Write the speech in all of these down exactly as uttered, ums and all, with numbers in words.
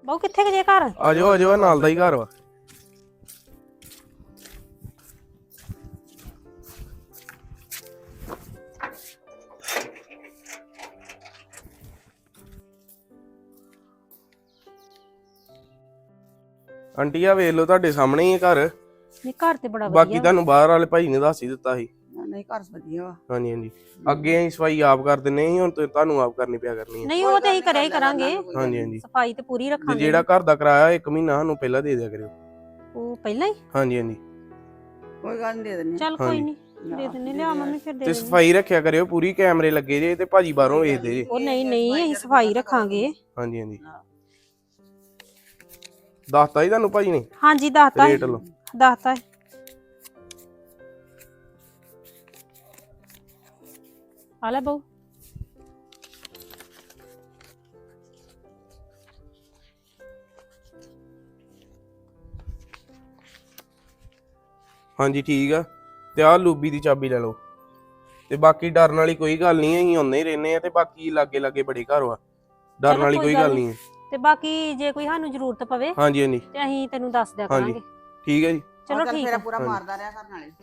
ਬਹੁ ਕਿੱਥੇ ਗਏ ਘਰ? ਆ ਜਾਓ ਆ ਜਾਓ, ਨਾਲ ਦਾ ਹੀ ਘਰ ਵਾ। ਆਂਟੀ ਆ ਵੇਖ ਲਓ, ਤੁਹਾਡੇ ਸਾਹਮਣੇ ਹੀ ਹੈ ਘਰ। ਨਹੀਂ ਘਰ ਤੇ ਬੜਾ ਬਾਕੀ ਵਧੀਆ। ਤੁਹਾਨੂੰ ਬਾਹਰ ਵਾਲੇ ਭਾਈ ਨੇ ਦੱਸ ਹੀ ਦਿੱਤਾ ਸੀ। ਨਹੀਂ ਘਰ ਵਧੀਆ ਵਾ। ਹਾਂਜੀ ਹਾਂਜੀ, ਅੱਗੇ ਅਸੀਂ ਸਫਾਈ ਆਪ ਕਰ ਦਿੰਦੇ ਸੀ, ਹੁਣ ਤੇ ਤੁਹਾਨੂੰ ਆਪ ਕਰਨੀ ਪਿਆ ਕਰਨੀ ਹੈ। ਨਹੀਂ ਉਹ ਤੇ ਅਸੀਂ ਕਰਿਆ ਹੀ ਕਰਾਂਗੇ, ਹਾਂਜੀ ਹਾਂਜੀ, ਸਫਾਈ ਤੇ ਪੂਰੀ ਤੇ ਰੱਖਾਂਗੇ। ਜਿਹੜਾ ਘਰ ਦਾ ਕਿਰਾਇਆ ਇੱਕ ਮਹੀਨਾ ਸਾਨੂੰ ਪਹਿਲਾਂ ਦੇ ਦਿਆ ਕਰਿਓ। ਉਹ ਪਹਿਲਾਂ ਹੀ? ਹਾਂਜੀ ਹਾਂਜੀ, ਕੋਈ ਗੱਲ ਨਹੀਂ ਦੇ ਦਿੰਦੇ। ਚੱਲ ਕੋਈ ਨਹੀਂ ਦੇ ਦਿੰਨੇ, ਲਿਆ ਮੰਮੀ ਫਿਰ ਦੇ ਤੇ ਦਿੰਨੇ। ਸਫਾਈ ਰੱਖਿਆ ਕਰਿਓ ਪੂਰੀ, ਕੈਮਰੇ ਲੱਗੇ ਜੇ ਤੇ ਭਾਜੀ ਬਾਹਰੋਂ ਵੇਖਦੇ ਜੇ। ਉਹ ਨਹੀਂ ਨਹੀਂ ਅਸੀਂ ਸਫਾਈ ਰੱਖਾਂਗੇ। ਹਾਂਜੀ ਹਾਂਜੀ, ਦੱਸਤਾ ਹੀ ਤੁਹਾਨੂੰ ਭਾਜੀ ਨੇ ਹਾਂਜੀ ਦੱਸਤਾ ਰੇਟ ਲਓ। ਦੱਸਤਾ ਆ ਲੈ ਬਹੁ। ਹਾਂਜੀ ਠੀਕ ਆ, ਤੇ ਆਹ ਲੂਬੀ ਦੀ ਚਾਬੀ ਲੈ ਲਓ। ਤੇ ਬਾਕੀ ਡਰਨ ਵਾਲੀ ਕੋਈ ਗੱਲ ਨਹੀਂ, ਅਸੀਂ ਆਉਂਦੇ ਹੀ ਰਹਿੰਦੇ ਆ। ਤੇ ਬਾਕੀ ਲਾਗੇ ਲਾਗੇ ਬੜੇ ਘਰ ਵਾ, ਡਰਨ ਵਾਲੀ ਕੋਈ ਗੱਲ ਨਹੀਂ ਹੈ। ਤੇ ਬਾਕੀ ਜੇ ਕੋਈ ਸਾਨੂੰ ਜ਼ਰੂਰਤ ਪਵੇ ਹਾਂਜੀ ਹਾਂਜੀ, ਤੇ ਅਸੀਂ ਤੈਨੂੰ ਦੱਸ ਦਿਆ ਹਾਂਜੀ ਕਰਾਂਗੇ। ਠੀਕ ਹੈ ਜੀ। ਚਲੋ ਠੀਕ ਮੇਰਾ ਆ। ਪੂਰਾ ਮਾਰਦਾ ਰਿਹਾ ਕਰਨ ਵਾਲੇ।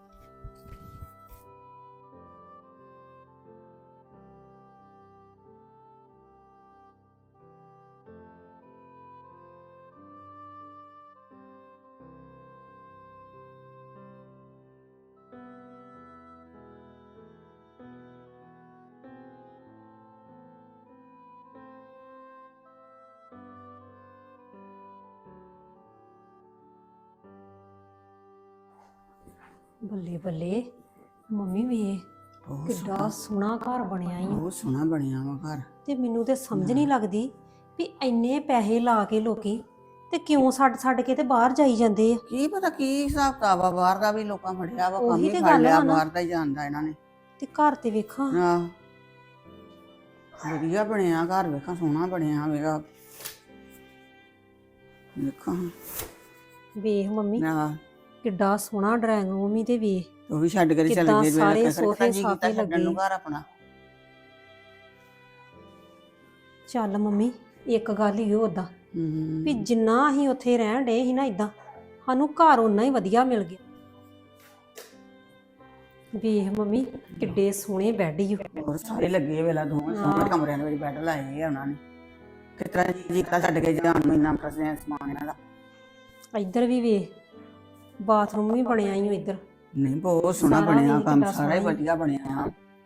ਬੱਲੇ ਬੱਲੇ ਮੰਮੀ ਵੀ ਕਿੱਡਾ ਸੋਹਣਾ ਘਰ ਬਣਿਆ ਈ। ਬਹੁਤ ਸੋਹਣਾ ਬਣਿਆ ਵਾ ਘਰ। ਤੇ ਮੈਨੂੰ ਤੇ ਸਮਝ ਨਹੀਂ ਲੱਗਦੀ ਵੀ ਇੰਨੇ ਪੈਸੇ ਲਾ ਕੇ ਲੋਕੀ ਤੇ ਕਿਉਂ ਛੱਡ ਛੱਡ ਕੇ ਤੇ ਬਾਹਰ ਜਾਈ ਜਾਂਦੇ ਆ। ਕੀ ਪਤਾ ਕੀ ਹਿਸਾਬ ਕਿਤਾਬ ਆ, ਬਾਹਰ ਦਾ ਵੀ ਲੋਕਾਂ ਫੜਿਆ ਵਾ, ਕੰਮ ਉਹੀ ਹੀ ਤੇ ਫੜ ਗੱਲ ਲਿਆ, ਵਾ ਨਾ। ਬਾਹਰ ਦਾ ਹੀ ਜਾਣਦਾ ਇਹਨਾਂ ਨੇ। ਤੇ ਘਰ ਤੇ ਵੇਖਾਂ ਆਹ ਵਧੀਆ ਬਣਿਆ ਘਰ, ਵੇਖਾਂ ਸੋਹਣਾ ਬਣਿਆ ਵੇਗਾ। ਵੇਖਾਂ ਵੇਖ ਮੰਮੀ ਆਹ ਕਿੱਡਾ ਸੋਹਣਾ ਡਰਾਇੰਗ ਰੂਮ ਹੀ ਤੇ ਵੇਖ ਉਹ ਵੀ ਛੱਡ ਕੇ ਤੇ ਚੱਲ ਕਿੱਦਾਂ ਗਏ। ਸਾਰੇ ਮੇਰੇ ਸੋਫੇ ਜੀ ਸਾਫੇ ਕੀਤਾ ਛੱਡਣ ਨੂੰ ਲੱਗੇ। ਘਰ ਆਪਣਾ। ਚੱਲ ਮੰਮੀ ਇੱਕ ਗੱਲ ਹੀ ਉਦਾਂ ਹੂੰ ਵੀ ਜਿੰਨਾ ਅਸੀਂ ਉੱਥੇ ਰਹਿਣ ਡੇ ਸੀ ਨਾ, ਇਦਾਂ ਸਾਨੂੰ ਘਰ ਓਨਾ ਹੀ ਵਧੀਆ ਮਿਲ ਗਿਆ। ਵੇਖ ਮੰਮੀ ਕਿੱਡੇ ਸੋਹਣੇ ਬੈੱਡ ਹੀ। ਹੋਰ ਸਾਰੇ ਲੱਗੇ ਵੇਲਾ ਦੋਵੇਂ ਸੋਹਣੇ ਕਮਰਿਆਂ ਦੇ ਵਿੱਚ ਬੈੱਡ ਲਾਏ ਆ ਉਹਨਾਂ ਨੇ। ਕਿਸ ਤਰ੍ਹਾਂ ਜੀ ਕੀਤਾ ਛੱਡ ਕੇ ਜਾਣ ਨੂੰ, ਇੰਨਾ ਫਸਿਆ ਸਮਾਨ ਇਹਨਾਂ ਦਾ। ਇੱਧਰ ਵੀ ਵੇਖ ਬਾਥਰੂਮ ਵੀ ਬਣਿਆ ਹੀ ਇੱਧਰ। ਨਹੀਂ ਬਹੁਤ ਸੋਹਣਾ ਸਾਰਾ ਬਣਿਆ ਵੇਖ ਕੰਮ, ਕਿੱਡਾ ਸਾਰਾ ਹੀ ਸੋਹਣਾ ਵਧੀਆ ਬਣਿਆ।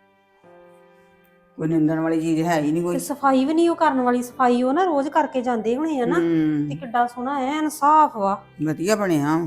ਕੋਈ ਨਿੰਦਣ ਵਾਲੀ ਚੀਜ਼ ਹੈ ਹੀ ਨਹੀਂ ਤੇ ਕੋਈ। ਸਫਾਈ ਵੀ ਨਹੀਂ ਉਹ ਕਰਨ ਵਾਲੀ, ਸਫਾਈ ਉਹ ਨਾ ਰੋਜ਼ ਕਰਕੇ ਜਾਂਦੇ ਹੋਣੇ ਆ ਨਾ। ਤੇ ਹੂੰ ਕਿੱਡਾ ਸੋਹਣਾ ਐਨ ਸਾਫ ਵਾ। ਵਧੀਆ ਬਣਿਆ।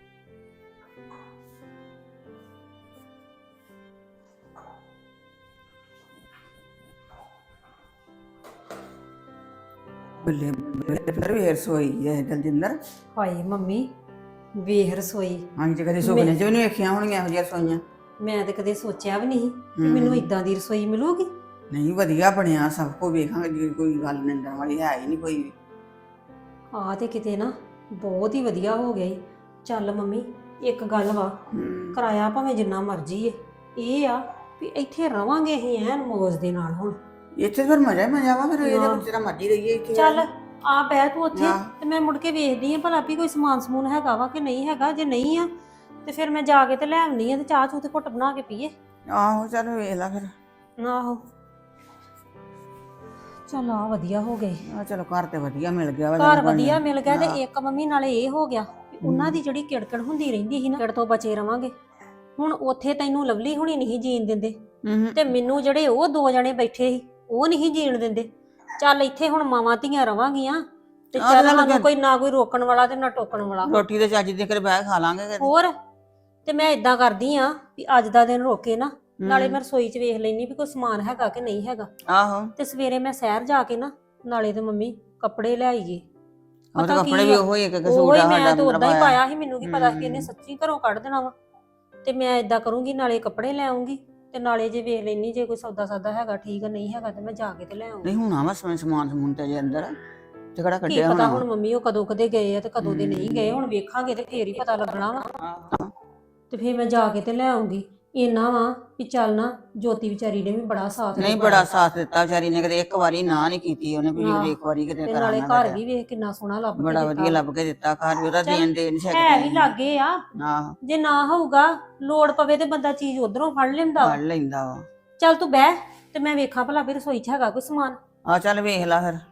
ਬੱਲੇ ਬੱਲੇ ਫਿਰ ਵੀ ਰਸੋਈ ਹੈ ਦਲਜਿੰਦਰ। ਹਾਏ ਮੰਮੀ ਵੇਖ ਰਸੋਈ, ਹਾਂ ਜੀ ਕਦੇ ਸੁਪਨੇ ਚ ਵੀ ਨਹੀਂ ਵੇਖੀਆਂ ਹੋਣਗੀਆਂ ਇਹੋ ਜਿਹੀਆਂ ਰਸੋਈਆਂ। ਮੈਂ ਤੇ ਕਦੇ ਸੋਚਿਆ ਵੀ ਨਹੀਂ ਕਿ ਮੈਨੂੰ ਇਦਾਂ ਦੀ ਰਸੋਈ ਮਿਲੂਗੀ। ਨਹੀਂ ਵਧੀਆ ਬਣਿਆ ਸਭ ਕੁਝ, ਵੇਖਾਂਗੇ ਜੀ ਕੋਈ ਗੱਲ ਨਿੰਦਣ ਵਾਲੀ ਹੈ ਹੀ ਨਹੀਂ ਕੋਈ ਵੀ। ਆ ਤੇ ਕਿਤੇ ਨਾ ਬਹੁਤ ਹੀ ਵਧੀਆ ਹੋ ਗਿਆ ਈ। ਚੱਲ ਮੰਮੀ ਇੱਕ ਗੱਲ ਵਾ, ਹੂੰ ਕਿਰਾਇਆ ਭਾਵੇਂ ਜਿੰਨਾ ਮਰਜ਼ੀ ਏ, ਇਹ ਆ ਵੀ ਇੱਥੇ ਰਵਾਂਗੇ ਅਸੀਂ ਐਨ ਮੌਜ ਦੇ ਨਾਲ। ਹੁਣ ਇੱਥੇ ਫਿਰ ਮਜ਼ਾ ਹੀ ਮਜ਼ਾ ਵਾ, ਫਿਰ ਇਹਦੇ ਵਿੱਚ ਜਿਹੜਾ ਮਰਜ਼ੀ ਰਹੀਏ ਇੱਥੇ। ਚੱਲ ਆ ਬਹਿ ਤੂੰ ਉੱਥੇ ਹਾਂ। ਤੇ ਮੈਂ ਮੁੜ ਕੇ ਵੇਖਦੀ ਆ ਭਲਾ ਵੀ ਕੋਈ ਸਮਾਨ ਸਮੂਨ ਹੈਗਾ ਵਾ ਕਿ ਨਹੀਂ ਹੈਗਾ। ਜੇ ਨਹੀਂ ਆ ਤੇ ਫਿਰ ਮੈਂ ਜਾ ਕੇ ਤੇ ਲੈ ਆਉਣੀ ਆ ਤੇ ਚਾਹ ਚੂਹ ਤੇ ਘੁੱਟ ਬਣਾ ਕੇ ਪੀਏ। ਆਹੋ ਚੱਲ ਵੇਖ ਲੈ ਫਿਰ। ਆਹੋ ਚੱਲ ਆ ਵਧੀਆ ਹੋ ਗਏ, ਆ ਚਲੋ ਘਰ ਤੇ ਵਧੀਆ ਮਿਲ ਗਿਆ ਵਾ। ਘਰ ਵਧੀਆ ਮਿਲ ਗਿਆ। ਤੇ ਇੱਕ ਮੰਮੀ ਨਾਲੇ ਇਹ ਹੋ ਗਿਆ ਵੀ ਉਹਨਾਂ ਦੀ ਜਿਹੜੀ ਕਿੜਕੜ ਹੁੰਦੀ ਰਹਿੰਦੀ ਸੀ ਨਾ, ਕਿੜ ਤੋਂ ਬਚੇ ਰਵਾਂਗੇ। ਹੁਣ ਉੱਥੇ ਤੈਨੂੰ ਲਵਲੀ ਹੁਣੀ ਨਹੀਂ ਜੀਣ ਦਿੰਦੇ ਹੂੰ ਤੇ ਮੈਨੂੰ ਜਿਹੜੇ ਉਹ ਦੋ ਜਣੇ ਬੈਠੇ ਸੀ ਉਹ ਨਹੀਂ ਜੀਣ ਦਿੰਦੇ। ਚੱਲ ਇੱਥੇ ਹੁਣ ਮਾਵਾਂ ਧੀਆਂ ਰਵਾਂਗੀਆਂ ਤੇ ਚੱਲ ਸਾਨੂੰ ਕੋਈ ਨਾ ਕੋਈ ਰੋਕਣ ਵਾਲਾ ਤੇ ਨਾ ਟੋਕਣ ਵਾਲਾ। ਰੋਟੀ ਤੇ ਚੱਜ ਦੇ ਕੇ ਬਹਿ ਖਾ ਲਾਂਗੇ ਫਿਰ। ਹੋਰ ਤੇ ਮੈਂ ਇਦਾਂ ਕਰਦੀ ਆ ਵੀ ਅੱਜ ਦਾ ਦਿਨ ਰੋਕੇ ਨਾ, ਨਾਲੇ ਮੈਂ ਰਸੋਈ 'ਚ ਵੇਖ ਲੈਣੀ ਵੀ ਕੋਈ ਸਮਾਨ ਹੈਗਾ ਕਿ ਨਹੀਂ ਹੈਗਾ। ਆਹੋ ਤੇ ਸਵੇਰੇ ਮੈਂ ਸ਼ਹਿਰ ਜਾ ਕੇ ਨਾ ਨਾਲੇ ਤੇ ਮੰਮੀ ਕੱਪੜੇ ਲੈ ਆਈਏ। ਉਹਦੇ ਕੱਪੜੇ ਵੀ ਉਹੋ ਹੀ ਇੱਕ ਇੱਕ ਸੂਟ ਉਹੀ ਆ ਮੈਂ ਸਾਡਾ ਤਾਂ ਉਦਾਂ ਹੀ ਪਾਇਆ। ਪਾਇਆ ਸੀ, ਮੈਨੂੰ ਕੀ ਪਤਾ ਸੀ ਕਿ ਇਹਨੇ ਸੱਚੀ ਘਰੋਂ ਕੱਢ ਦੇਣਾ ਵਾ। ਤੇ ਮੈਂ ਇਦਾਂ ਕਰੂੰਗੀ, ਨਾਲੇ ਕੱਪੜੇ ਲੈ ਆਉਂਗੀ ਤੇ ਨਾਲੇ ਜੇ ਵੇਖ ਲੈਣੀ ਜੇ ਕੋਈ ਸੌਦਾ ਸਾਦਾ ਹੈਗਾ ਠੀਕ ਨਹੀਂ ਹੈਗਾ ਤੇ ਮੈਂ ਜਾ ਕੇ ਤੇ ਲੈ ਆਉਂਗੀ। ਨਹੀਂ ਹੁਣ ਆਵਾ ਸਮਾਨ ਸਮੂਨ ਤੇ ਜੇ ਅੰਦਰ ਤੇ ਕਿਹੜਾ ਕੀ ਕੱਢਿਆ ਪਤਾ ਹੋਣਾ। ਹੁਣ ਮੰਮੀ ਉਹ ਕਦੋਂ ਕਦੇ ਗਏ ਆ ਤੇ ਕਦੋਂ ਦੇ ਨਹੀਂ ਗਏ। ਹੁਣ ਵੇਖਾਂਗੇ ਤੇ ਫੇਰ ਹੀ ਪਤਾ ਲੱਗਣਾ ਵਾ। ਤੇ ਫੇਰ ਮੈਂ ਜਾ ਕੇ ਤੇ ਲੈ ਆਉਂਗੀ। ਇੰਨਾ ਵਾ ਵੀ ਚੱਲ ਨਾ ਜੋਤੀ ਵਿਚਾਰੀ ਨੇ ਵੀ ਬੜਾ ਸਾਥ ਨਹੀਂ ਨਿਭਾਇਆ। ਬੜਾ ਸਾਥ ਦਿੱਤਾ ਵਿਚਾਰੀ ਨੇ, ਕਦੇ ਇੱਕ ਵਾਰੀ ਨਾ ਨਹੀਂ ਕੀਤੀ ਉਹਨੇ ਵੀ ਆਹ, ਇੱਕ ਵਾਰੀ ਕਿਤੇ ਤੇ ਨਾਲੇ ਕਰਾਂਗਾ ਘਰ ਵੀ ਵੇਖ ਕਿੰਨਾ ਸੋਹਣਾ ਲੱਭ ਕੇ ਬੜਾ ਦਿੱਤਾ ਵਧੀਆ ਵਾ। ਲੱਭ ਕੇ ਦਿੱਤਾ ਘਰ ਵੀ ਉਹਦਾ ਚੱਲ, ਦੇਣ ਦੇ ਨਹੀਂ ਹੈ ਵੀ ਸਕਦੇ ਲਾਗੇ ਆ, ਆਹੋ ਜੇ ਨਾ ਹੋਊਗਾ ਲੋੜ ਪਵੇ ਤੇ ਬੰਦਾ ਚੀਜ਼ ਉਧਰੋਂ ਫੜ ਲੈਂਦਾ ਵਾ। ਫੜ ਲੈਂਦਾ ਵਾ। ਚੱਲ ਤੂੰ ਬਹਿ ਤੇ ਮੈਂ ਵੇਖਾਂ ਭਲਾ ਵੀ ਰਸੋਈ 'ਚ ਹੈਗਾ ਕੋਈ ਸਮਾਨ। ਆ ਚੱਲ ਵੇਖ ਲਾ ਫਿਰ।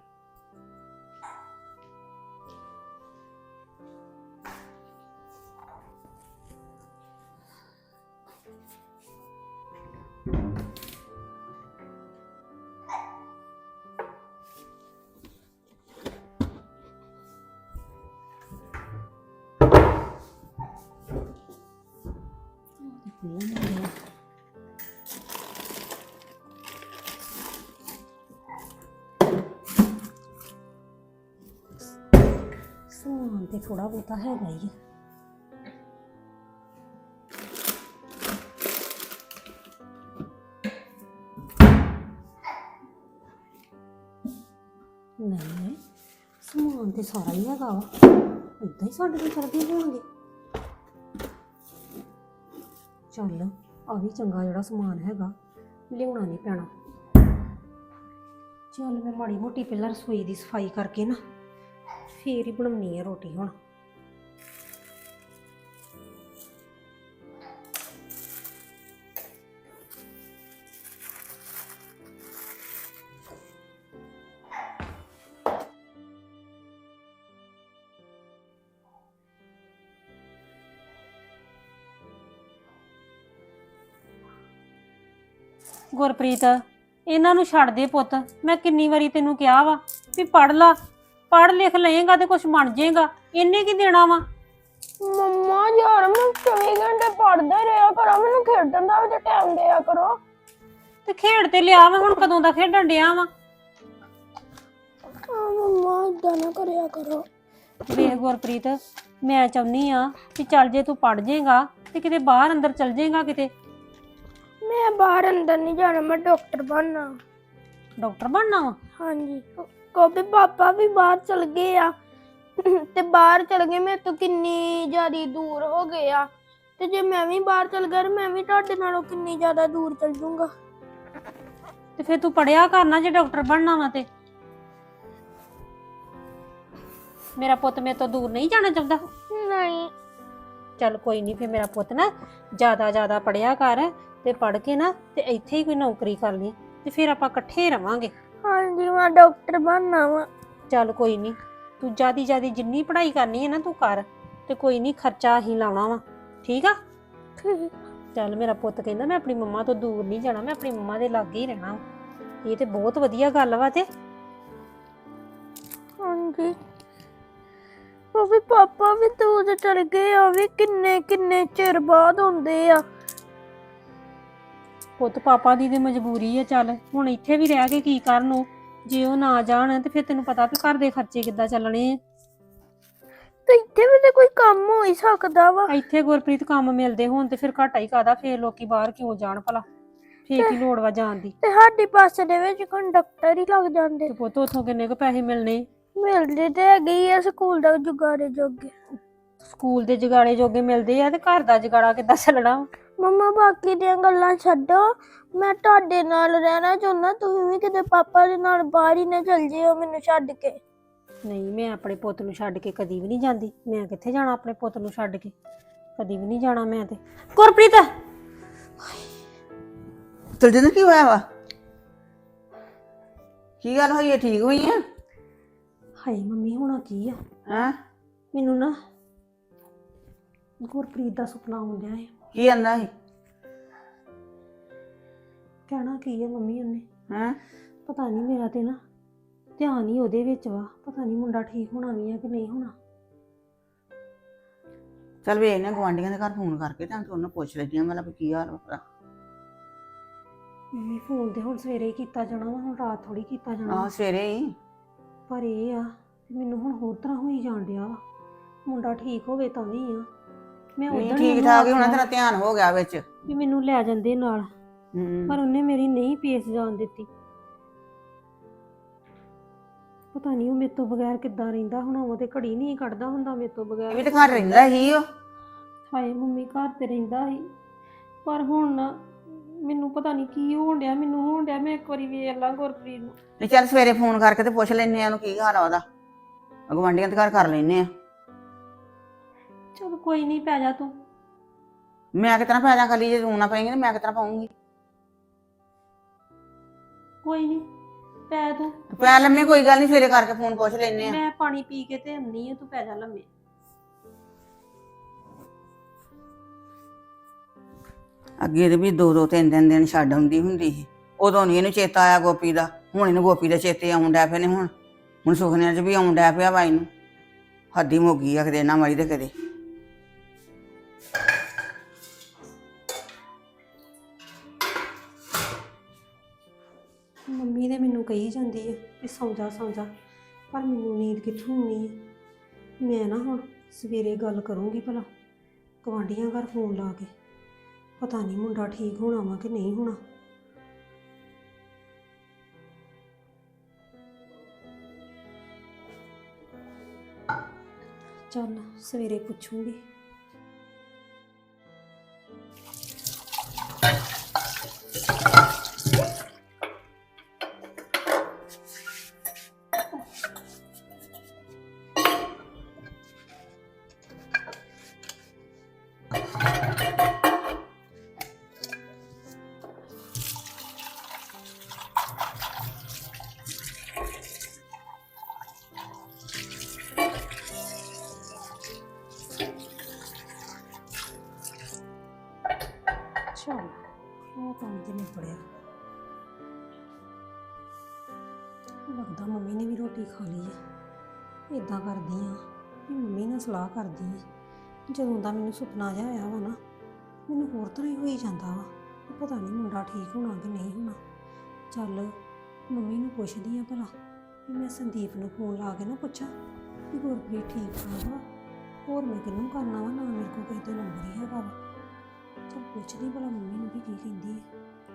ਸਮਾਨ ਤੇ ਥੋੜਾ ਬਹੁਤਾ ਹੈਗਾ ਹੀ ਆ। ਨਹੀਂ ਸਮਾਨ ਤੇ ਸਾਰਾ ਹੀ ਹੈਗਾ ਵਾ, ਏਦਾਂ ਹੀ ਸਾਡੇ ਕੋਲ ਚੜਦੇ ਹੋਣਗੇ। ਚੱਲ ਆ ਵੀ ਚੰਗਾ ਜਿਹੜਾ ਸਮਾਨ ਹੈਗਾ, ਲਿਆਉਣਾ ਨਹੀਂ ਪੈਣਾ। ਚੱਲ ਮੈਂ ਮਾੜੀ ਮੋਟੀ ਪਹਿਲਾਂ ਰਸੋਈ ਦੀ ਸਫਾਈ ਕਰਕੇ ਨਾ ਫੇਰ ਹੀ ਬਣਾਉਣੀ ਹੈ ਰੋਟੀ ਹੁਣ। ਗੁਰਪ੍ਰੀਤ ਇਹਨਾਂ ਨੂੰ ਛੱਡ ਦੇ ਪੁੱਤ, ਮੈਂ ਕਿੰਨੀ ਵਾਰੀ ਤੈਨੂੰ ਕਿਹਾ ਵਾ ਵੀ ਪੜ ਲਾ, ਪੜ ਲਿਖ ਲਏਗਾ ਤੇ ਕੁਝ ਬਣ ਜਾਏਗਾ। ਇਹਨੇ ਕੀ ਦੇਣਾ ਵਾ? ਮੰਮਾ ਯਾਰ ਮੈਂ ਚੌਵੀ ਘੰਟੇ ਪੜ੍ਹਦਾ ਰਿਹਾ ਕਰਾਂ, ਮੈਨੂੰ ਖੇਡਣ ਦਾ ਵੀ ਤੇ ਟਾਈਮ ਦਿਆ ਕਰੋ। ਤੇ ਖੇਡ ਤੇ ਲਿਆ ਵਾ, ਹੁਣ ਕਦੋਂ ਦਾ ਖੇਡਣ ਡਿਆ ਵਾ? ਆ ਮੰਮਾ ਇਦਾਂ ਨਾ ਕਰਿਆ ਕਰੋ। ਵੇਖ ਗੁਰਪ੍ਰੀਤ, ਮੈਂ ਚਾਹੁੰਦੀ ਆ ਕਿ ਚੱਲ ਜੇ ਤੂੰ ਪੜ ਜਾਏਗਾ ਤੇ ਕਿਤੇ ਬਾਹਰ ਅੰਦਰ ਚੱਲ ਜਾਏਗਾ ਕਿਤੇ। ਮੈਂ ਬਾਹਰ ਅੰਦਰ ਨਹੀਂ ਜਾਣਾ, ਮੈਂ ਡਾਕਟਰ ਬਣਨਾ। ਡਾਕਟਰ ਬਣਨਾ ਵਾ? ਹਾਂਜੀ, ਕਿਉਂਕਿ ਪਾਪਾ ਵੀ ਬਾਹਰ ਚਲ ਗਏ ਆ ਤੇ ਬਾਹਰ ਚਲ ਗਏ ਮੇਰੇ ਤੋਂ ਕਿੰਨੀ ਜ਼ਿਆਦਾ ਦੂਰ ਹੋ ਗਏ ਆ, ਤੇ ਜੇ ਮੈਂ ਵੀ ਬਾਹਰ ਚਲ ਗਿਆ ਮੈਂ ਵੀ ਤੁਹਾਡੇ ਨਾਲੋਂ ਕਿੰਨੀ ਜ਼ਿਆਦਾ ਦੂਰ ਚਲ ਜਾਊਂਗਾ। ਤੇ ਫਿਰ ਤੂੰ ਪੜਿਆ ਕਰਨਾ ਜੇ ਡਾਕਟਰ ਬਣਨਾ ਵਾ ਤੇ। ਮੇਰਾ ਪੁੱਤ ਮੇਰੇ ਤੋਂ ਦੂਰ ਨਹੀਂ ਜਾਣਾ ਚਾਹੁੰਦਾ? ਨਹੀਂ। ਚੱਲ ਕੋਈ ਨਹੀਂ, ਫਿਰ ਮੇਰਾ ਪੁੱਤ ਨਾ ਜ਼ਿਆਦਾ ਜ਼ਿਆਦਾ ਪੜਿਆ ਕਰ ਤੇ ਪੜ ਕੇ ਨਾ ਤੇ ਇੱਥੇ ਹੀ ਕੋਈ ਨੌਕਰੀ ਕਰ ਲਈ ਤੇ ਫਿਰ ਆਪਾਂ ਇਕੱਠੇ ਰਵਾਂਗੇ। ਹਾਂਜੀ ਮੈਂ ਡਾਕਟਰ ਬਣਨਾ ਵਾ। ਚੱਲ ਕੋਈ ਨਹੀਂ, ਤੂੰ ਜਿਆਦੀ ਜਿਆਦੀ ਜਿੰਨੀ ਪੜ੍ਹਾਈ ਕਰਨੀ ਹੈ ਨਾ ਤੂੰ ਕਰ, ਤੇ ਕੋਈ ਨਹੀਂ ਖਰਚਾ ਹੀ ਲਾਉਣਾ ਵਾ, ਠੀਕ ਆ? ਚੱਲ ਮੇਰਾ ਪੁੱਤ ਕਹਿੰਦਾ ਮੈਂ ਆਪਣੀ ਮੰਮਾ ਤੋਂ ਦੂਰ ਨਹੀਂ ਜਾਣਾ, ਮੈਂ ਆਪਣੀ ਮੰਮਾ ਦੇ ਲਾਗੇ ਹੀ ਰਹਿਣਾ। ਇਹ ਤੇ ਬਹੁਤ ਵਧੀਆ ਗੱਲ ਵਾ। ਤੇ ਹਾਂਜੀ ਉਹ ਵੀ ਪਾਪਾ ਵੀ ਦੂਰ ਚਲ ਗਏ ਆ, ਵੀ ਕਿੰਨੇ ਕਿੰਨੇ ਚਿਰ ਬਾਅਦ ਹੁੰਦੇ ਆ। ਪੁੱਤ ਪਾਪਾ ਦੀ ਤੇ ਮਜਬੂਰੀ ਹੈ, ਚੱਲ ਹੁਣ ਇੱਥੇ ਵੀ ਰਹਿ ਕੇ ਕੀ ਕਰਨ ਉਹ, ਜੇ ਉਹ ਨਾ ਜਾਣ ਤੇ ਫਿਰ ਤੈਨੂੰ ਪਤਾ ਵੀ ਘਰ ਦੇ ਖਰਚੇ ਕਿੱਦਾਂ ਚੱਲਣੇ ਆ। ਤੇ ਇੱਥੇ ਵੀ ਤੇ ਕੋਈ ਕੰਮ ਹੋ ਹੀ ਸਕਦਾ ਵਾ। ਇੱਥੇ ਗੁਰਪ੍ਰੀਤ ਕੰਮ ਮਿਲਦੇ ਹੋਣ ਤੇ ਫਿਰ ਘਾਟਾ ਹੀ ਕਾਦਾ, ਫੇਰ ਲੋਕੀ ਬਾਹਰ ਕਿਉਂ ਜਾਣ ਭਲਾ, ਫੇਰ ਕੀ ਲੋੜ ਵਾ ਜਾਣ ਦੀ। ਤੇ ਸਾਡੀ ਬੱਸ ਦੇ ਵਿੱਚ ਕੰਡਕਟਰ ਹੀ ਲੱਗ ਜਾਂਦੇ। ਤੇ ਪੁੱਤ ਉਥੋਂ ਕਿੰਨੇ ਕੁ ਪੈਸੇ ਮਿਲਣੇ? ਮਿਲਦੇ ਤੇ ਹੈਗੇ ਹੀ ਆ ਸਕੂਲ ਦਾ ਜੁਗਾੜੇ ਜੋਗੇ। ਸਕੂਲ ਦੇ ਜਗਾੜੇ ਜੋਗੇ ਮਿਲਦੇ ਆ ਤੇ ਘਰ ਦਾ ਜਗਾੜਾ ਕਿੱਦਾਂ ਚੱਲਣਾ? ਮੰਮਾ ਬਾਕੀ ਦੀਆਂ ਗੱਲਾਂ ਛੱਡੋ, ਮੈਂ ਤੁਹਾਡੇ ਨਾਲ ਰਹਿਣਾ ਚਾਹੁੰਦਾ, ਤੁਸੀਂ ਵੀ ਕਿਤੇ ਪਾਪਾ ਦੇ ਨਾਲ ਬਾਹਰ ਹੀ ਨਾ ਚਲ ਜਿਓ ਮੈਨੂੰ ਛੱਡ ਕੇ। ਨਹੀਂ, ਮੈਂ ਆਪਣੇ ਪੁੱਤ ਨੂੰ ਛੱਡ ਕੇ ਕਦੀ ਵੀ ਨਹੀਂ ਜਾਂਦੀ। ਮੈਂ ਕਿੱਥੇ ਜਾਣਾ ਆਪਣੇ ਪੁੱਤ ਨੂੰ ਛੱਡ ਕੇ, ਕਦੀ ਵੀ ਨਹੀਂ ਜਾਣਾ ਮੈਂ ਤੇ। ਗੁਰਪ੍ਰੀਤ ਚਲ ਜਿੰਦ ਕੀ ਹੋਇਆ ਵਾ? ਕੀ ਗੱਲ ਹੋਈ ਹੈ? ਠੀਕ ਹੋਈ ਆ? ਹਾਏ ਮੰਮੀ ਹੋਣਾ ਕੀ ਆ, ਹਾਂ ਮੈਨੂੰ ਨਾ ਗੁਰਪ੍ਰੀਤ ਦਾ ਸੁਪਨਾ ਆਉਂਦਾ ਹੈ। ਕੀ ਆਂਦਾ ਸੀ? ਕਹਿਣਾ ਕੀ ਹੈ ਮੰਮੀ ਉਹਨੇ, ਹਾਂ ਪਤਾ ਨਹੀਂ, ਮੇਰਾ ਤੇ ਨਾ ਧਿਆਨ ਹੀ ਉਹਦੇ ਵਿੱਚ ਵਾ। ਪਤਾ ਨਹੀਂ ਮੁੰਡਾ ਠੀਕ ਹੋਣਾ ਵੀ ਆ ਕਿ ਨਹੀਂ ਹੋਣਾ। ਚੱਲ ਵੇਖ ਨੇ ਗੁਆਂਢੀਆਂ ਦੇ ਘਰ ਫੋਨ ਕਰਕੇ ਤਾਂ ਤੂੰ ਉਹਨੂੰ ਪੁੱਛ ਲੈਂਦੀ ਆ ਮੈਂ ਵੀ ਕੀ ਹਾਲ ਵਾ। ਮੰਮੀ ਫੋਨ ਤੇ ਹੁਣ ਸਵੇਰੇ ਹੀ ਕੀਤਾ ਜਾਣਾ ਵਾ, ਹੁਣ ਰਾਤ ਥੋੜੀ ਕੀਤਾ ਜਾਣਾ। ਆਹ ਸਵੇਰੇ ਹੀ। ਪਰ ਇਹ ਆ ਕਿ ਮੈਨੂੰ ਹੁਣ ਹੋਰ ਤਰ੍ਹਾਂ ਹੋਈ ਜਾਣ ਡਿਆ ਵਾ। ਮੁੰਡਾ ਠੀਕ ਹੋਵੇ ਤਾਂ ਵੀ ਆ, ਮੈਂ ਨਹੀਂ ਉਦੋਂ ਠੀਕ ਠਾਕ ਹੀ ਹੋਣਾ, ਤੇਰਾ ਧਿਆਨ ਹੋ ਗਿਆ ਵਿੱਚ। ਵੀ ਮੈਨੂੰ ਲੈ ਜਾਂਦੇ ਨਾਲ, ਹੂੰ ਪਰ ਉਹਨੇ ਮੇਰੀ ਨਹੀਂ ਪੇਸ ਜਾਣ ਦਿੱਤੀ। ਪਤਾ ਨਹੀਂ ਉਹ ਮੇਰੇ ਤੋਂ ਬਗੈਰ ਕਿੱਦਾਂ ਰਹਿੰਦਾ ਹੁਣ, ਉਹ ਤੇ ਘੜੀ ਨਹੀਂ ਕੱਢਦਾ ਹੁੰਦਾ ਮੇਰੇ ਤੋਂ ਇਹ ਬਗੈਰ। ਵੀ ਤਾਂ ਘਰ ਰਹਿੰਦਾ ਹੀ ਉਹ। ਹਾਏ ਮੰਮੀ ਘਰ ਤੇ ਰਹਿੰਦਾ ਸੀ, ਪਰ ਹੁਣ ਨਾ ਮੈਨੂੰ ਪਤਾ ਨਹੀਂ ਕੀ ਹੋਣ ਡਿਆ, ਮੈਨੂੰ ਹੋਣ ਡਿਆ ਮੈਂ ਇੱਕ ਵਾਰੀ ਵੇਖ ਲਾਂ ਗੁਰਪ੍ਰੀਤ ਨੂੰ। ਤੇ ਚੱਲ ਸਵੇਰੇ ਫੋਨ ਕਰਕੇ ਤੇ ਪੁੱਛ ਲੈਨੇ ਆ ਉਹਨੂੰ ਕੀ ਹਾਲ ਆ ਉਹਦਾ, ਗਵਾਂਢੀਆਂ ਦੇ ਘਰ ਕਰ ਲੈਨੇ ਆ। ਚਲ ਕੋਈ ਨਹੀਂ, ਪੈ ਜਾ ਤੂੰ। ਮੈਂ ਕਿਤਨਾ ਪੈ ਜਾ ਖਾਲੀ, ਜੇ ਤੂੰ ਨਾ ਪਏਂਗੀ ਤੇ ਮੈਂ ਕਿਤਨਾ ਪਾਉਂਗੀ। ਕੋਈ ਨਹੀਂ, ਪੈ ਤੂੰ। ਪੈ ਲੰਮੇ, ਕੋਈ ਗੱਲ ਨਹੀਂ, ਸਵੇਰੇ ਕਰਕੇ ਫੋਨ ਪੁੱਛ ਲੈਨੇ ਆ। ਮੈਂ ਪਾਣੀ ਪੀ ਕੇ ਤੇ ਆਉਂਦੀ ਆ, ਤੂੰ ਪੈ ਜਾ ਲੰਮੇ। ਅੱਗੇ ਤੇ ਵੀ ਦੋ ਦੋ ਤਿੰਨ ਤਿੰਨ ਦਿਨ ਛੱਡ ਆਉਂਦੀ ਹੁੰਦੀ ਸੀ, ਉਦੋਂ ਨਹੀਂ ਇਹਨੂੰ ਚੇਤਾ ਆਇਆ ਗੋਪੀ ਦਾ। ਹੁਣ ਇਹਨੂੰ ਗੋਪੀ ਦੇ ਚੇਤੇ ਆਉਣ ਡੈ ਪਏ ਨੇ। ਹੁਣ ਹੁਣ ਸੁਖਨਿਆਂ 'ਚ ਵੀ ਆਉਣ ਡੈ ਪਿਆ ਬਾਈ ਨੂੰ। ਹੱਦੀ ਮੁੱਕੀ ਆ ਕਦੇ ਨਾ ਮਾਰੀ ਤੇ ਕਦੇ। ਮੰਮੀ ਨੇ ਮੈਨੂੰ ਕਹੀ ਜਾਂਦੀ ਹੈ ਕਿ ਸੌਂ ਜਾ ਸੌਂ ਜਾ, ਪਰ ਮੈਨੂੰ ਨੀਂਦ ਕਿੱਥੋਂ ਆਉਣੀ ਹੈ। ਮੈਂ ਨਾ ਹੁਣ ਸਵੇਰੇ ਗੱਲ ਕਰੂੰਗੀ ਭਲਾ ਗੁਆਂਢੀਆਂ ਘਰ ਫੋਨ ਲਾ ਕੇ, ਪਤਾ ਨਹੀਂ ਮੁੰਡਾ ਠੀਕ ਹੋਣਾ ਵਾ ਕਿ ਨਹੀਂ ਹੋਣਾ। ਚੱਲ ਸਵੇਰੇ ਪੁੱਛੂੰਗੀ। ਚਲ ਉਹ ਕੰਮ ਤੇ ਨਹੀਂ ਪੜਿਆ, ਲੱਗਦਾ ਮੰਮੀ ਨੇ ਵੀ ਰੋਟੀ ਖਾ ਲਈ ਹੈ। ਇਦਾਂ ਕਰਦੀ ਆ ਵੀ ਮੰਮੀ ਨਾਲ ਸਲਾਹ ਕਰਦੀ ਆ। ਜਦੋਂ ਦਾ ਮੈਨੂੰ ਸੁਪਨਾ ਜਿਹਾ ਆਇਆ ਵਾ ਨਾ, ਮੈਨੂੰ ਹੋਰ ਤਰ੍ਹਾਂ ਹੀ ਹੋਈ ਜਾਂਦਾ ਵਾ ਕਿ ਪਤਾ ਨਹੀਂ ਮੁੰਡਾ ਠੀਕ ਹੋਣਾ ਕਿ ਨਹੀਂ ਹੋਣਾ। ਚੱਲ ਮੰਮੀ ਨੂੰ ਪੁੱਛਦੀ ਆ ਭਲਾ ਵੀ ਮੈਂ ਸੰਦੀਪ ਨੂੰ ਫੋਨ ਲਾ ਕੇ ਨਾ ਪੁੱਛਾਂ ਵੀ ਗੁਰਪ੍ਰੀਤ ਠੀਕ ਠਾਕ ਵਾ। ਹੋਰ ਮੈਂ ਕਿਹਨੂੰ ਕਰਨਾ ਵਾ, ਨਾ ਮੇਰੇ ਕੋਲ ਕਿਸੇ ਦਾ ਨੰਬਰ ਹੀ ਹੈਗਾ ਵਾ। ਚੱਲ ਪੁੱਛਦੀ ਭਲਾ ਮੰਮੀ ਨੂੰ ਵੀ ਕੀ ਕਹਿੰਦੀ ਹੈ।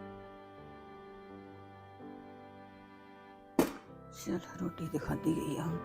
ਚਲ ਰੋਟੀ ਤੇ ਖਾਧੀ ਗਈ ਆ ਹੁਣ।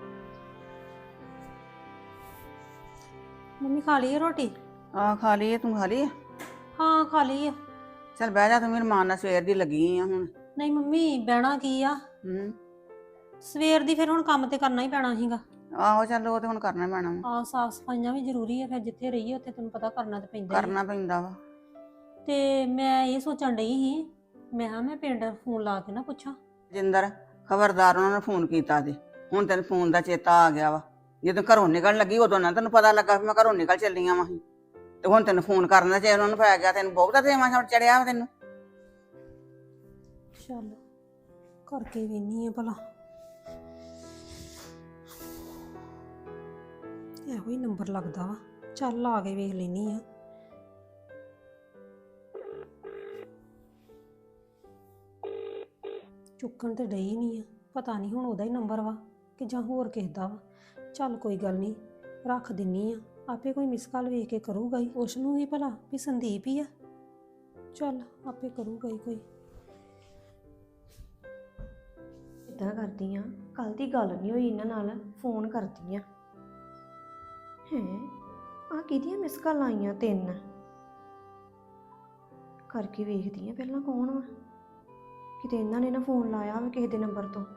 ਮੰਮੀ ਖਾ ਲਈ ਹੈ ਰੋਟੀ? ਆ ਖਾ ਲਈ ਆ, ਤੂੰ ਖਾ ਲਈ ਆ? ਹਾਂ ਖਾ ਲਈ ਹੈ। ਚੱਲ ਬਹਿ ਜਾ, ਤੂੰ ਮੇਰੇ ਮਾਂ ਨਾਲ ਸਵੇਰ ਦੀ ਲੱਗੀ ਆ ਹੁਣ। ਨਹੀਂ ਮੰਮੀ ਬਹਿਣਾ ਕੀ ਆ, ਹੂੰ ਸਵੇਰ ਦੀ ਫਿਰ ਹੁਣ ਕੰਮ ਤੇ ਕਰਨਾ ਹੀ ਪੈਣਾ ਸੀਗਾ। ਆਹੋ ਚੱਲ ਉਹ ਤੇ ਹੁਣ ਕਰਨਾ ਪੈਣਾ ਵਾ। ਆ ਸਾਫ ਸਫਾਈਆਂ ਵੀ ਜ਼ਰੂਰੀ ਹੈ, ਫਿਰ ਜਿੱਥੇ ਰਹੀਏ ਉੱਥੇ ਤੈਨੂੰ ਪਤਾ ਕਰਨਾ ਤੇ ਪੈਂਦਾ ਹੀ ਆ। ਕਰਨਾ ਪੈਂਦਾ ਵਾ। ਤੇ ਮੈਂ ਇਹ ਸੋਚਣ ਡਈ ਸੀ, ਮੈਂ ਕਿਹਾ ਮੈਂ ਪਿੰਡ ਫੋਨ ਲਾ ਕੇ ਨਾ ਪੁੱਛਾਂ। ਜਿੰਦਰ ਖਬਰਦਾਰ, ਉਹਨਾਂ ਨੇ ਫੋਨ ਕੀਤਾ ਤੇ ਹੁਣ ਤੈਨੂੰ ਫੋਨ ਦਾ ਚੇਤਾ ਆ ਗਿਆ ਵਾ। ਜਦੋਂ ਘਰੋਂ ਨਿਕਲਣ ਲੱਗੀ ਉਦੋਂ ਨਾ ਤੈਨੂੰ ਪਤਾ ਲੱਗਾ ਵੀ ਮੈਂ ਘਰੋਂ ਨਿਕਲ ਚੱਲੀ ਆ ਵਾ। ਤੇ ਹੁਣ ਤੈਨੂੰ ਫੋਨ ਕਰਨ ਦਾ ਜੇ ਉਹਨਾਂ ਨੂੰ ਪੈ ਗਿਆ, ਤੈਨੂੰ ਬਹੁਤ ਦੇਵਾਂ ਛੜ ਚੜਿਆ ਵਾ ਤੈਨੂੰ। ਚੱਲ ਕਰਕੇ ਵੇਨੀ ਆ ਭਲਾ, ਇਹੋ ਹੀ ਨੰਬਰ ਲੱਗਦਾ ਵਾ। ਚੱਲ ਲਾ ਕੇ ਵੇਖ ਲੈਨੀ ਆ। ਚੁੱਕਣ ਤੇ ਡਈ ਨਹੀਂ ਆ, ਪਤਾ ਨਹੀਂ ਹੁਣ ਉਹਦਾ ਹੀ ਨੰਬਰ ਵਾ ਕਿ ਜਾਂ ਹੋਰ ਕਿਸੇ ਦਾ ਵਾ। ਚੱਲ ਕੋਈ ਗੱਲ ਨਹੀਂ, ਰੱਖ ਦਿੰਨੀ ਆ, ਆਪੇ ਕੋਈ ਮਿਸ ਕਾਲ ਵੇਖ ਕੇ ਕਰੂਗਾ ਹੀ। ਉਸ ਨੂੰ ਹੀ ਭਲਾ ਵੀ ਸੰਦੀਪ ਹੀ ਆ, ਚੱਲ ਆਪੇ ਕਰੂਗਾ ਹੀ ਕੋਈ। ਇਦਾਂ ਕਰਦੀ ਆ, ਕੱਲ ਦੀ ਗੱਲ ਨਹੀਂ ਹੋਈ ਇਹਨਾਂ ਨਾਲ, ਫੋਨ ਕਰਦੀ ਆ। ਹੈ ਆ ਕਿਹਦੀਆਂ ਮਿਸ ਕਾਲ ਆਈਆਂ ਤਿੰਨ, ਕਰਕੇ ਵੇਖਦੀ ਆ ਪਹਿਲਾਂ ਕੌਣ ਵਾ। ਕਿਤੇ ਇਹਨਾਂ ਨੇ ਨਾ ਫੋਨ ਲਾਇਆ ਹੋਵੇ ਕਿਸੇ ਦੇ ਨੰਬਰ ਤੋਂ।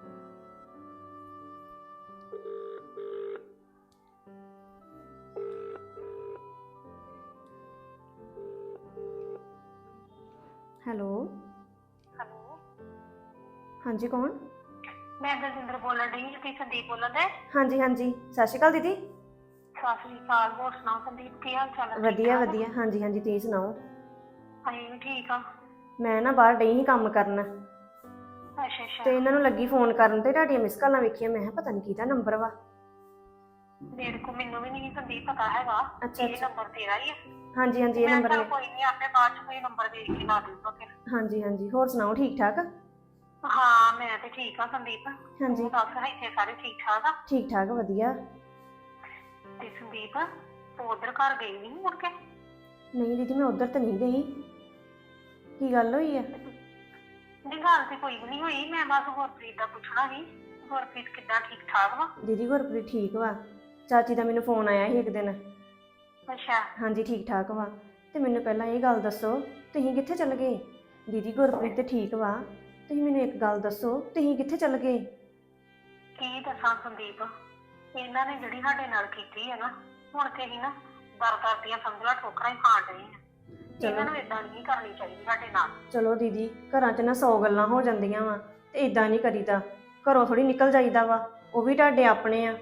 ਹੈਲੋ ਹੈਲੋ, ਹਾਂਜੀ ਕੌਣ? ਮੈਂ ਦਲਜਿੰਦਰ ਬੋਲਣ ਡਈ, ਤੁਸੀਂ ਸੰਦੀਪ ਬੋਲਣ ਦੇ? ਹਾਂਜੀ ਹਾਂਜੀ, ਸਤਿ ਸ਼੍ਰੀ ਅਕਾਲ ਦੀਦੀ। ਸਤਿ ਸ੍ਰੀ ਅਕਾਲ। ਹੋਰ ਸੁਣਾਓ ਸੰਦੀਪ, ਕੀ ਹਾਲ ਚਾਲ ਹੈ? ਵਧੀਆ ਵਧੀਆ, ਹਾਂਜੀ ਹਾਂਜੀ, ਤੁਸੀਂ ਸੁਣਾਓ? ਅਸੀਂ ਵੀ ਠੀਕ ਆ। ਮੈਂ ਨਾ ਬਾਹਰ ਡਈ ਸੀ ਕੰਮ ਕਰਨ, ਅੱਛਾ ਅੱਛਾ। ਤੇ ਇਹਨਾਂ ਨੂੰ ਲੱਗੀ ਫੋਨ ਕਰਨ ਤੇ ਤੁਹਾਡੀਆਂ ਮਿਸ ਕਾਲਾਂ ਵੇਖੀਆਂ, ਮੈਂ ਕਿਹਾ ਪਤਾ ਨਹੀਂ ਕਿਹਦਾ ਨੰਬਰ ਵਾ। ਮੇਰੇ ਕੋ ਮੈਨੂੰ ਵੀ ਨਹੀਂ ਸੰਦੀਪ ਪਤਾ ਹੈਗਾ। ਅੱਛਾ ਇਹ ਅੱਛਾ, ਨੰਬਰ ਤੇਰਾ ਹੀ ਆ? ਹਾਂਜੀ ਹਾਂਜੀ ਇਹ ਮੈਂ ਨੰਬਰ ਕਿਹਾ ਨੇ। ਕੋਈ ਨਹੀਂ, ਆਪੇ ਬਾਅਦ ਚ ਕੋਈ ਨੰਬਰ ਦੇਖ ਕੇ ਲਾ ਦੂੰਗਾ ਫਿਰ। ਹਾਂਜੀ ਹਾਂਜੀ, ਹੋਰ ਸੁਣਾਓ ਠੀਕ ਠਾਕ? ਹਾਂ ਮੈਂ ਤੇ ਠੀਕ ਆ ਸੰਦੀਪ। ਹਾਂਜੀ ਤੂੰ ਦੱਸ, ਇੱਥੇ ਸਾਰੇ ਠੀਕ ਠਾਕ ਆ? ਠੀਕ ਠਾਕ ਵਧੀਆ। ਤੇ ਸੰਦੀਪ ਤੂੰ ਉਧਰ ਘਰ ਗਈ ਨਹੀਂ ਮੁੜ ਕੇ? ਨਹੀਂ ਦੀਦੀ ਮੈਂ ਉਧਰ ਤਾਂ ਨਹੀਂ ਗਈ, ਕੀ ਗੱਲ ਹੋਈ ਆ? ਨਹੀਂ ਗੱਲ ਤੇ ਕੋਈ ਵੀ ਨਹੀਂ ਹੋਈ, ਮੈਂ ਬਸ ਗੁਰਪ੍ਰੀਤ ਦਾ ਪੁੱਛਣਾ ਸੀ। ਗੁਰਪ੍ਰੀਤ ਕਿੱਦਾਂ, ਠੀਕ ਠਾਕ ਵਾ? ਦੀਦੀ ਗੁਰਪ੍ਰੀਤ ਠੀਕ ਵਾ, ਚਾਚੀ ਦਾ ਮੈਨੂੰ ਫੋਨ ਆਇਆ ਸੀ ਇੱਕ ਦਿਨ। ਅੱਛਾ। ਹਾਂਜੀ ਠੀਕ ਠਾਕ ਵਾ, ਤੇ ਮੈਨੂੰ ਪਹਿਲਾਂ ਇਹ ਗੱਲ ਦੱਸੋ, ਤੁਸੀਂ ਕਿੱਥੇ ਚੱਲ ਗਏ? ਦੀਦੀ ਗੁਰਪ੍ਰੀਤ ਤੇ ਠੀਕ ਵਾ, ਤੁਸੀਂ ਮੈਨੂੰ ਇੱਕ ਗੱਲ ਦੱਸੋ, ਤੁਸੀਂ ਕਿੱਥੇ ਚੱਲ ਗਏ? ਕੀ ਦੱਸਾਂ ਸੰਦੀਪ, ਇਹਨਾਂ ਨੇ ਜਿਹੜੀ ਸਾਡੇ ਨਾਲ ਕੀਤੀ ਹੈ ਨਾ, ਹੁਣ ਤੇ ਹੀ ਨਾ ਦਰ ਦਰ ਦੀਆਂ ਸਮਝਲਾ ਠੋਕਰਾਂ ਹੀ ਖਾਣ ਡਏ ਆ। ਇਹਨਾਂ ਨੂੰ ਇਦਾਂ ਨਹੀਂ ਕਰਨੀ ਚਾਹੀਦੀ ਸਾਡੇ ਨਾਲ। ਚਲੋ ਦੀਦੀ, ਘਰਾਂ 'ਚ ਨਾ ਸੌ ਗੱਲਾਂ ਹੋ ਜਾਂਦੀਆਂ ਵਾ ਤੇ ਇਦਾਂ ਨਹੀਂ ਕਰੀਦਾ। ਘਰੋਂ ਥੋੜੀ ਨਿਕਲ ਜਾਈਦਾ ਵਾ, ਉਹ ਵੀ ਤੁਹਾਡੇ ਆਪਣੇ ਆ।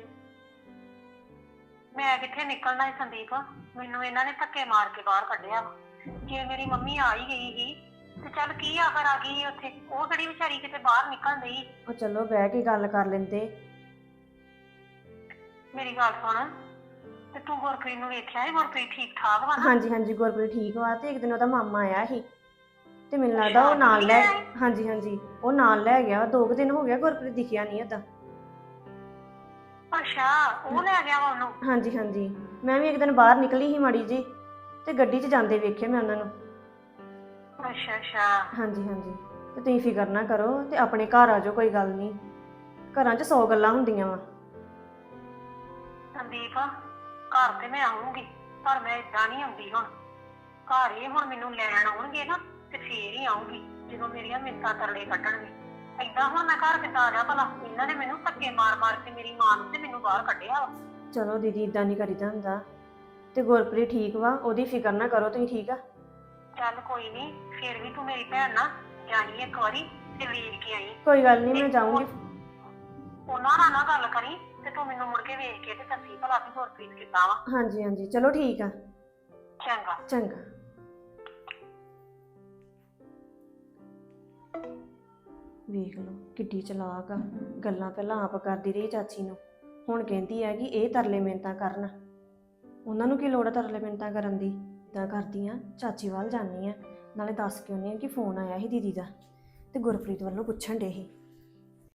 ਮੈਂ ਕਿੱਥੇ ਨਿਕਲਣਾ ਹੈ ਸੰਦੀਪ, ਮੈਨੂੰ ਇਹਨਾਂ ਨੇ ਧੱਕੇ ਮਾਰ ਕੇ ਬਾਹਰ ਕੱਢਿਆ ਵਾ। ਜੇ ਮੇਰੀ ਮੰਮੀ ਆ ਹੀ ਗਈ ਸੀ ਤੇ ਚੱਲ ਕੀ ਆਖਰ ਆ ਗਈ ਉੱਥੇ, ਉਹ ਕਿਹੜੀ ਵਿਚਾਰੀ ਕਿਤੇ ਬਾਹਰ ਨਿਕਲਣ ਡਈ। ਉਹ ਚਲੋ ਬਹਿ ਕੇ ਗੱਲ ਕਰ ਲੈਂਦੇ। ਮੇਰੀ ਗੱਲ ਸੁਣ, ਤੇ ਤੂੰ ਗੁਰਪ੍ਰੀਤ ਨੂੰ ਵੇਖਿਆ ਹੈ? ਗੁਰਪ੍ਰੀਤ ਠੀਕ ਠਾਕ ਵਾ ਨਾ? ਹਾਂਜੀ ਹਾਂਜੀ ਗੁਰਪ੍ਰੀਤ ਠੀਕ ਵਾ, ਤੇ ਇੱਕ ਦਿਨ ਉਹਦਾ ਮਾਮਾ ਆਇਆ ਸੀ ਤੇ ਮੈਨੂੰ ਲੱਗਦਾ ਉਹ ਨਾਲ ਲੈ, ਹਾਂਜੀ ਹਾਂਜੀ ਉਹ ਨਾਲ ਲੈ ਗਿਆ। ਦੋ ਕੁ ਦਿਨ ਹੋ ਗਿਆ ਗੁਰਪ੍ਰੀਤ ਦਿਖਿਆ ਨਹੀਂ ਏਦਾਂ। ਅੱਛਾ, ਉਹ ਲੈ ਗਿਆ ਵਾ ਉਹਨੂੰ? ਹਾਂਜੀ ਹਾਂਜੀ, ਮੈਂ ਵੀ ਇੱਕ ਦਿਨ ਬਾਹਰ ਨਿਕਲੀ ਸੀ ਮਾੜੀ ਜੀ, ਤੇ ਗੱਡੀ 'ਚ ਜਾਂਦੇ ਵੇਖੇ ਮੈਂ ਉਹਨਾਂ ਨੂੰ। ਅੱਛਾ ਅੱਛਾ। ਹਾਂਜੀ ਹਾਂਜੀ, ਤੇ ਤੁਸੀਂ ਫਿਕਰ ਨਾ ਕਰੋ ਤੇ ਆਪਣੇ ਘਰ ਆ ਜਾਓ, ਕੋਈ ਗੱਲ ਨਹੀਂ। ਘਰਾਂ 'ਚ ਸੌ ਗੱਲਾਂ ਹੁੰਦੀਆਂ ਵਾ। ਸੰਦੀਪ, ਘਰ ਤੇ ਮੈਂ ਆਉਂਗੀ, ਪਰ ਮੈਂ ਏਦਾਂ ਨਹੀਂ ਆਉਂਦੀ ਹੁਣ। ਘਰ ਇਹ ਹੁਣ ਮੈਨੂੰ ਲੈਣ ਆਉਣਗੇ ਨਾ ਤੇ ਫੇਰ ਹੀ ਆਉਂਗੀ, ਜਦੋਂ ਮੇਰੀਆਂ ਮਿੰਤਾਂ ਤਰਲੇ ਕੱਢਣਗੇ। ਏਦਾਂ ਹੁਣ ਮੈਂ ਘਰ ਕਿੱਦਾਂ ਆ ਜਾ ਭਲਾ? ਇਹਨਾਂ ਨੇ ਮੈਨੂੰ ਧੱਕੇ ਮਾਰ ਮਾਰ ਕੇ ਮੇਰੀ ਮਾਂ ਨੂੰ ਤੇ ਮੈਨੂੰ ਬਾਹਰ ਕੱਢਿਆ ਵਾ। ਚਲੋ ਦੀਦੀ, ਇਦਾਂ ਨਹੀਂ ਕਰੀਦਾ ਹੁੰਦਾ। ਤੇ ਗੁਰਪ੍ਰੀਤ ਠੀਕ ਵਾ, ਉਹਦੀ ਫਿਕਰ ਨਾ ਕਰੋ ਤੁਸੀਂ, ਠੀਕ ਆ? ਚੱਲ ਕੋਈ ਨਹੀਂ, ਫੇਰ ਵੀ ਤੂੰ ਮੇਰੀ ਭੈਣ ਨਾ ਜਾਈ ਇੱਕ ਵਾਰੀ ਤੇ ਵੇਖ ਕੇ ਆਈ। ਕੋਈ ਗੱਲ ਨਹੀਂ, ਮੈਂ ਜਾਊਂਗੀ। ਉਹਨਾਂ ਨਾਲ ਨਾ ਗੱਲ ਕਰੀ ਤੇ ਤੂੰ ਮੈਨੂੰ ਮੁੜ ਕੇ ਵੇਖ ਕੇ ਤੇ ਦੱਸੀ ਭਲਾ ਵੀ ਗੁਰਪ੍ਰੀਤ ਕਿੱਦਾਂ ਵਾ। ਹਾਂਜੀ ਹਾਂਜੀ, ਚਲੋ ਠੀਕ ਆ। ਚੰਗਾ ਚੰਗਾ। ਵੇਖ ਲਓ ਕਿੱਡੀ ਚਲਾਕ ਆ, ਗੱਲਾਂ ਪਹਿਲਾਂ ਆਪ ਕਰਦੀ ਰਹੀ ਚਾਚੀ ਨੂੰ, ਹੁਣ ਕਹਿੰਦੀ ਹੈ ਕਿ ਇਹ ਤਰਲੇ ਮਿੰਨਤਾਂ ਕਰਨ। ਉਹਨਾਂ ਨੂੰ ਕੀ ਲੋੜ ਆ ਤਰਲੇ ਮਿੰਨਤਾਂ ਕਰਨ ਦੀ? ਇੱਦਾਂ ਕਰਦੀ ਆ, ਚਾਚੀ ਵੱਲ ਜਾਂਦੀ ਆ, ਨਾਲੇ ਦੱਸ ਕੇ ਆਉਂਦੀ ਆ ਕਿ ਫੋਨ ਆਇਆ ਸੀ ਦੀਦੀ ਦਾ ਤੇ ਗੁਰਪ੍ਰੀਤ ਵੱਲੋਂ ਪੁੱਛਣ ਡੇ ਸੀ।